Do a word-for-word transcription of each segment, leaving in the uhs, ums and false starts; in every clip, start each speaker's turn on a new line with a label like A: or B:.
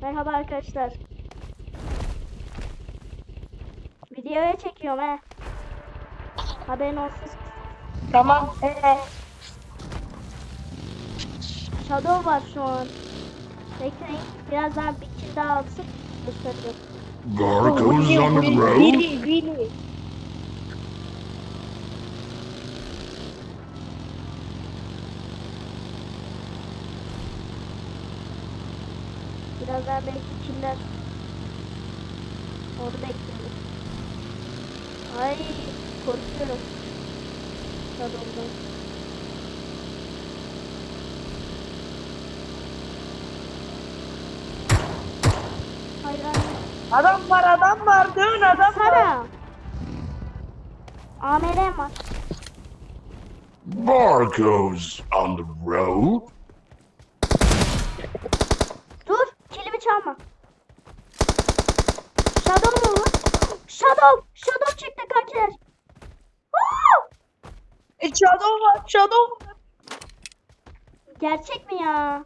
A: Merhaba arkadaşlar. Videoya çekiyorum he. Haberin olsun.
B: Tamam. Ee,
A: Shadow var şu an. Bekleyin. Birazdan bir kill daha alsın. Göstereceğim.
C: Gargo's on the road?
B: Billy, Billy.
A: Birazdan belki killer. Onu bekliyorum. Ay korkuyorum. Shadow'dan. Hayır hayır.
B: Adam var, adam var. Dön adam var.
A: Sara. A M R var.
C: Barco's on the road?
A: Dur. Kilimi çalma. Shadow mu bu? Shadow. Shadow çıktı kankiler. Woo!
B: E, Shadow var, Shadow var.
A: Gerçek mi ya?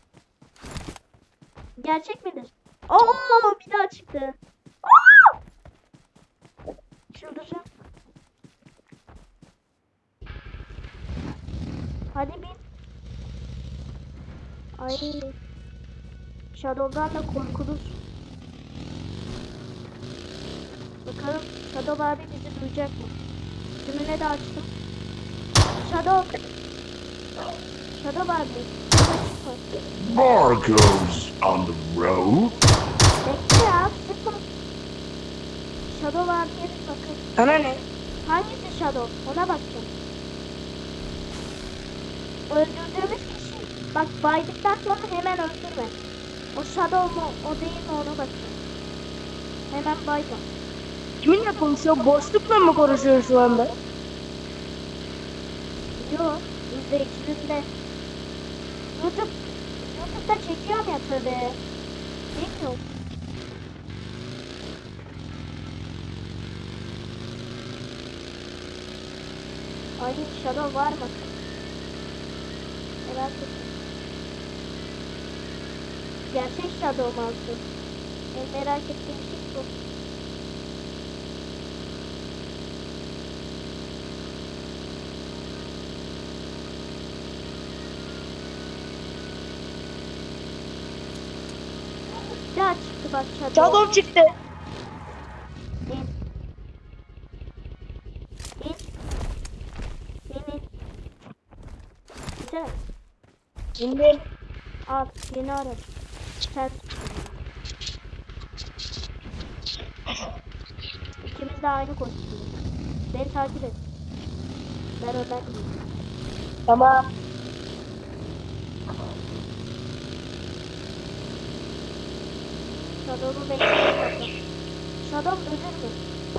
A: Gerçek midir? Oo bir daha çıktı. Oo! Çıldıracağım. Hadi bin. Ay. Shadow'dan da korkulur. Bakalım Shadow abi bizi duyacak mı? Tümüne de açtım. Shadow. Shadow abi.
C: Barco's on the road?
A: Bekle ya. Sıkma. Shadow abiye bir bakın.
B: Sana ne?
A: Hangisi Shadow? Ona bakacağım. Öldürdüğümüz kişi. Bak baydıktan sonra hemen öldürme. O Shadow mu? O değil mi? Ona bakacağım. Hemen baydım.
B: Kiminle konuşuyor? Boşlukla mı konuşuyor şu anda?
A: Yok. İzleyicilerinde. YouTube. YouTube'da çekiyorum ya tabii. Bilmiyorum. Ay Shadow var mı? Merak ettim. Gerçek Shadow mu alsın? En merak ettiğim şey bu. Bir daha çıktı bak Shadow.
B: Shadow çıktı.
A: İn. İn. İn in. Güzel.
B: Şimdi
A: Al yeni araç. Sen. İkimiz de aynı kostüm. Beni takip et. Ben önden gideyim.
B: tamam.
A: Shadow'u bekliyorum. Shadow ölür mü?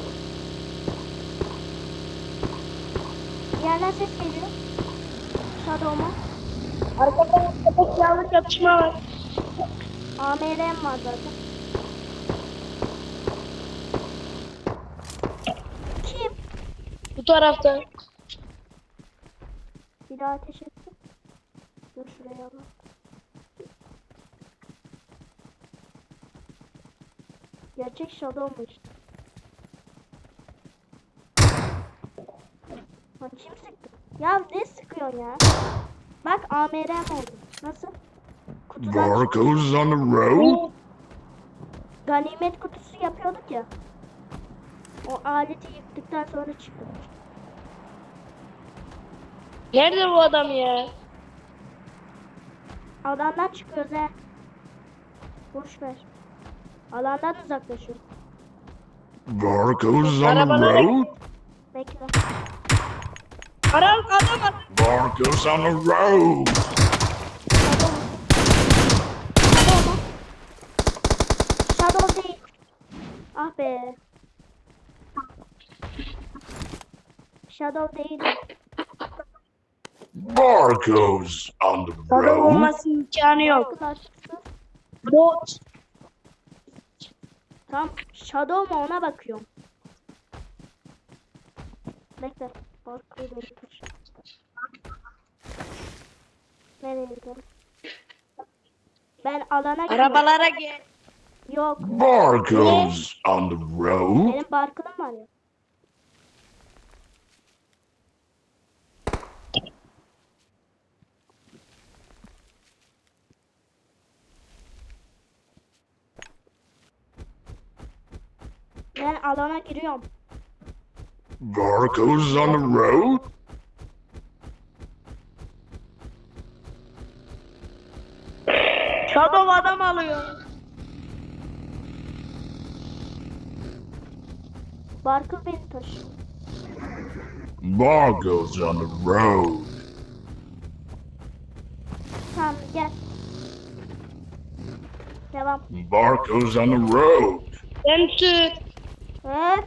A: Bir yerden ses geliyor. Shadow'uma.
B: Arkada köpek yağlı çatışma var.
A: A M R'm var zaten. Kim?
B: Bu tarafta.
A: Bir daha ateş etti. Dur şuraya alalım. Gerçek Shadow'muş. Lan kim sıktı? Ya ne sıkıyorsun ya? Bak A M R'm oldu. Nasıl? Kutudan çıktı.
C: Barco's on the road?
A: Ganimet kutusu yapıyorduk ya. O aleti yıktıktan sonra çıktı.
B: Nerede bu adam ya?
A: Alandan çıkıyoruz he. Boş ver. Alandan uzaklaşıyoruz.
C: Barco's on the
B: Arabalara-
C: road?
A: Bekle.
B: Adam, adam var.
C: Barco's on the road?
A: Shadow. Shadow mu? Shadow değil. Ah be. Shadow değil.
C: Barco's on the
B: Shadow
C: road?
B: olması imkanı yok.
A: Arkadaşlar.
B: Bot.
A: Tam Shadow mu ona bakıyorum. Bekle. Korkuyu verir. Nereye gidelim? Ben alana gidiyorum.
B: Arabalara gel.
A: Yok.
C: Barcodes on the road.
A: Benim barkılım var ya. Ben alana giriyorum.
C: Barcodes on the road.
B: Shadow adam alıyor.
A: Barkıl beni taşıyor.
C: Barcodes on the road.
A: Tamam gel. Devam.
C: Barcodes on the road.
B: Ben sür.
A: Evet.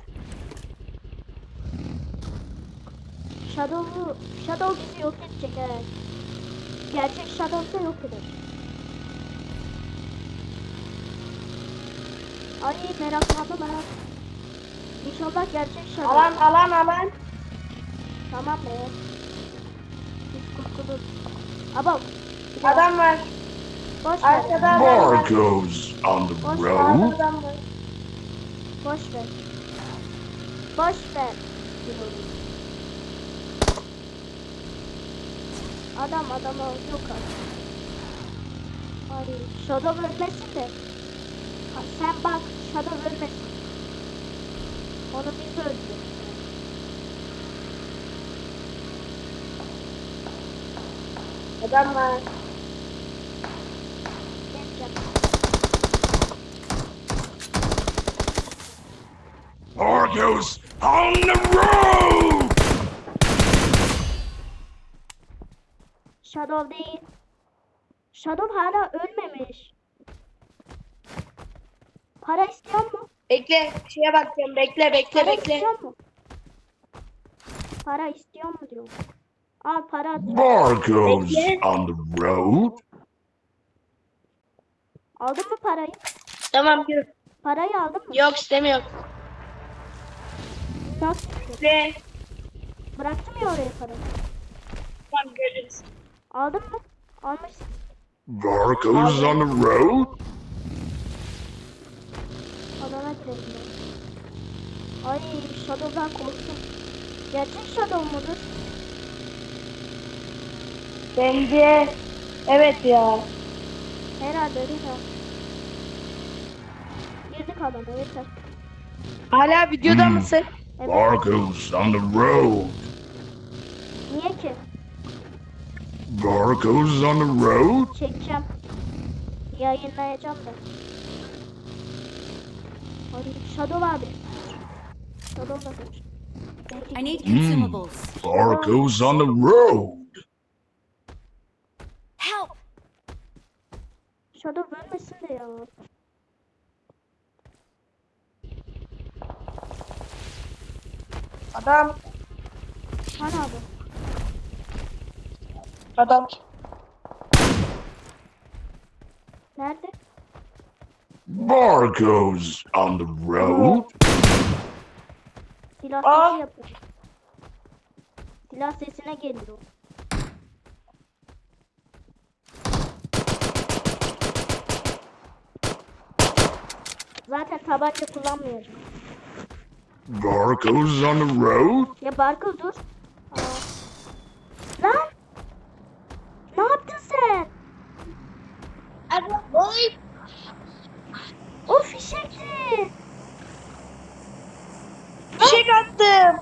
A: Shadow'u, Shadow bizi yok edecek evet. Gerçek Shadow'sa yok eder. Ay meraklandım merak. İnşallah gerçek Shadow.
B: Alan alan alan.
A: Tamam be. Biz kurtuluruz. Aba.
B: Adam var.
A: Boş ver.
B: Arkada adam var.
C: Barcodes on the
A: Boş
C: road.
B: Arkada adam var.
A: Boş ver. Boş ver. diyorum. Adam adama yok artık. Ay Shadow ölmesin de. Ha, sen bak Shadow ölmesin. Onu biz öldürdük.
B: Adam var.
A: Geçeceğim.
C: Barcodes on the road.
A: Shadow değil. Shadow hala ölmemiş. Para istiyor mu?
B: Bekle. Şeye bakacağım. Bekle bekle
A: Para
B: bekle.
A: istiyor mu? Para istiyor mu diyor. Al para at.
C: Barcodes
B: Bekle.
C: on the road.
A: Aldın mı parayı?
B: Tamam yürü.
A: Parayı aldın mı?
B: Yok istemiyorum.
A: Nasıl?
B: Ve
A: Bıraktım ya oraya parayı.
B: tamam görürüz.
A: Aldın mı? Almışsın.
C: Barcodes on the road.
A: Alana girelim ben. Ay Shadow'dan korktum. Gerçek Shadow mudur?
B: Bence evet ya.
A: Herhalde değil mi? Girdik alana yeter.
B: Hala videoda
C: Hmm.
B: mısın?
A: Evet.
C: Barcodes on the road.
A: Niye ki?
C: Barcodes on the road.
A: Çekeceğim. Yayınlayacağım da. Ay Shadow abi. Shadow da kaç.
D: I need consumables.
C: Barcodes on the road.
D: Help!
A: Shadow ölmesin de ya.
B: Adam.
A: Hani abi?
B: Adam.
A: Nerede?
C: Barcodes on the road.
A: Silah
B: Aa.
A: sesi yapıyor. Silah sesine geliyor. Zaten tabanca kullanmayacağım.
C: Barcodes on the road.
A: Ya Barkıl dur. Aa. Lan! Ne yaptın sen?
B: Adam. Oy.
A: O fişekti.
B: Fişek attım.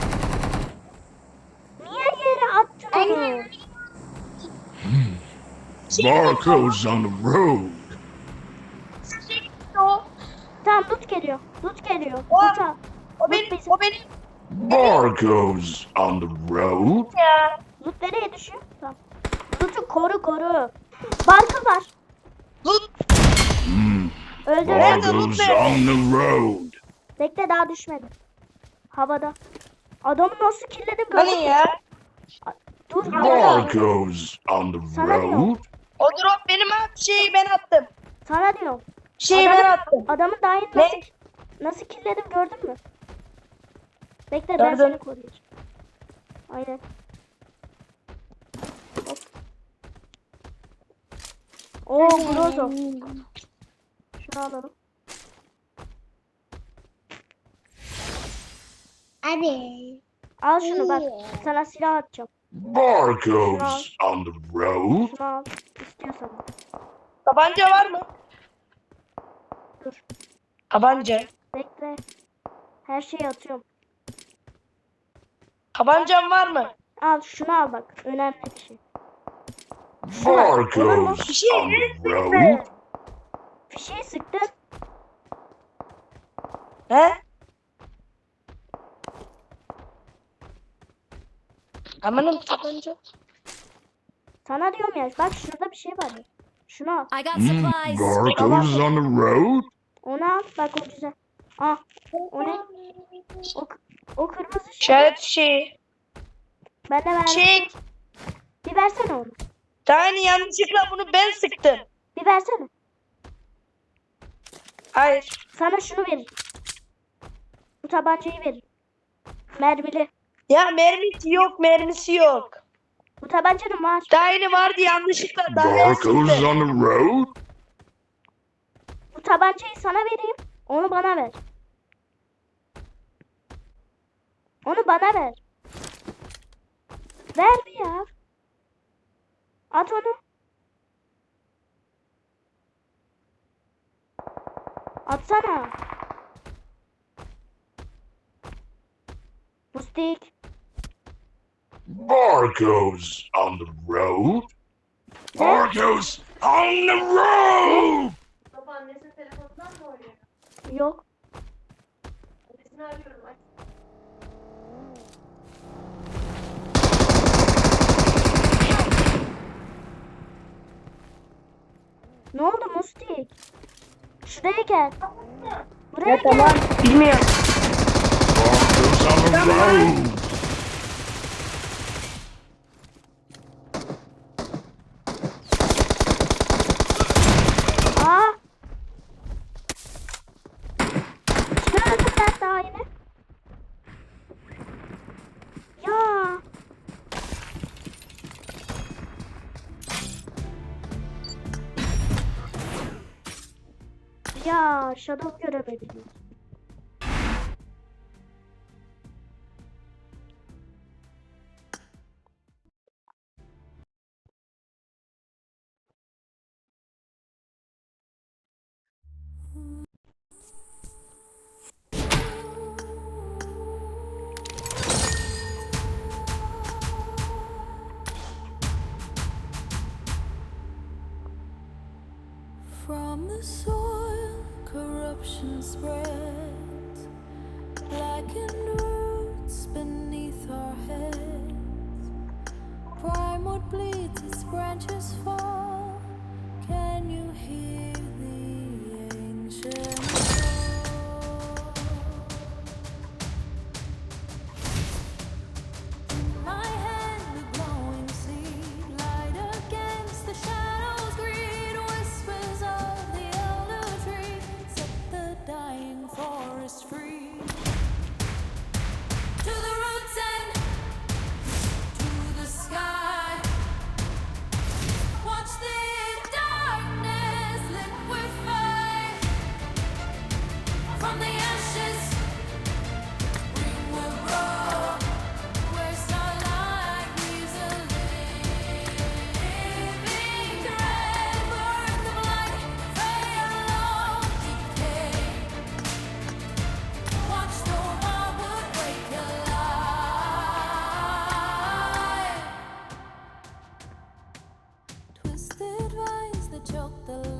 A: Niye yere attın onu?
C: Barcodes on the road.
B: Fişek o.
A: Tamam loot geliyor. Loot geliyor.
B: O-
A: Loot al.
B: O benim.
A: bizim.
B: O benim.
C: Barcodes on the road.
B: Ya.
A: Loot nereye düşüyor? Tamam. Loot'u koru koru. Barkıl var.
B: Lut.
C: Hmm.
A: Öldür.
B: Nerede loot
C: Barcodes
B: nerede?
C: on the road.
A: Bekle daha düşmedi. Havada. Adamı nasıl killedim gördün
B: Hani
A: mü?
B: ya?
A: Dur havada.
C: Barcodes on the
A: Sana diyorum.
C: road.
B: O drop benim abi. Şeyi ben attım.
A: Sana diyorum.
B: Şeyi ben attım.
A: Adamı daha yeni
B: Ne?
A: nasıl, nasıl killedim gördün mü? Bekle ben
B: Gördüm.
A: seni koruyacağım. Aynen. Hop. Oo Grozo. Şunu alalım.
E: Abi.
A: Al şunu bak. Sana silah atacağım.
C: Barcodes on the road.
A: Şunu al. İstiyorsan.
B: Tabanca var mı?
A: Dur.
B: Tabanca.
A: Bekle. Her şeyi atıyorum.
B: Tabancan var mı?
A: Al şunu al bak. Önemli bir şey. Şunu al. Olur mu?
C: Barcodes on the road.
A: Fişeği sıktın.
B: He? Amanın tabanca.
A: Sana diyorum ya. Bak şurada bir şey var. Ya. Şunu al.
D: I got
C: Mm,
D: supplies.
C: barcodes on the road.
A: Onu al. Bak o güzel. Al. O ne? O, o kırmızı şey.
B: İşaret şeyi.
A: Ben de verdim.
B: Çek.
A: Bir versene onu.
B: Tane yanlışlıkla bunu ben sıktım.
A: Bir versene.
B: Hayır.
A: Sana şunu veririm. Bu tabancayı veririm. Mermili.
B: Ya mermisi yok, mermisi yok.
A: Bu tabancanın var.
B: Tane vardı yanlışlıkla. Daha ben
C: Barcodes
B: sıktım.
C: on the road.
A: Bu tabancayı sana vereyim. Onu bana ver. Onu bana ver. Ver bir ya. At onu. Atsana. Mustik.
C: Barcodes on the road. Barcodes on the road.
F: Babaannesinin telefonundan mı oynuyor?
A: Yok.
F: Annesini arıyorum. Aç.
A: Ne oldu Mustik? Şuraya gel. Buraya
B: Ya
A: gel.
B: tamam. Bilmiyorum.
C: Barcodes on the road.
A: Aa. Kime öldüm ben daha yine? Ya. Ya Shadow göremedim.
G: From the soil, corruption spreads, blackened roots beneath our heads. Primewood bleeds, its branches fall. Can you hear the ancient call? My hand, a glowing seed, light against the shadows, greed, whispers of the elder tree, set the dying forest free. To the roots and to the sky. Watch the darkness liquefy. From the ashes, spring will grow. Where starlight leaves a living thread. Burn the blight, fade along decay. Watch the wildwood wake alive. Twisted vines that choke the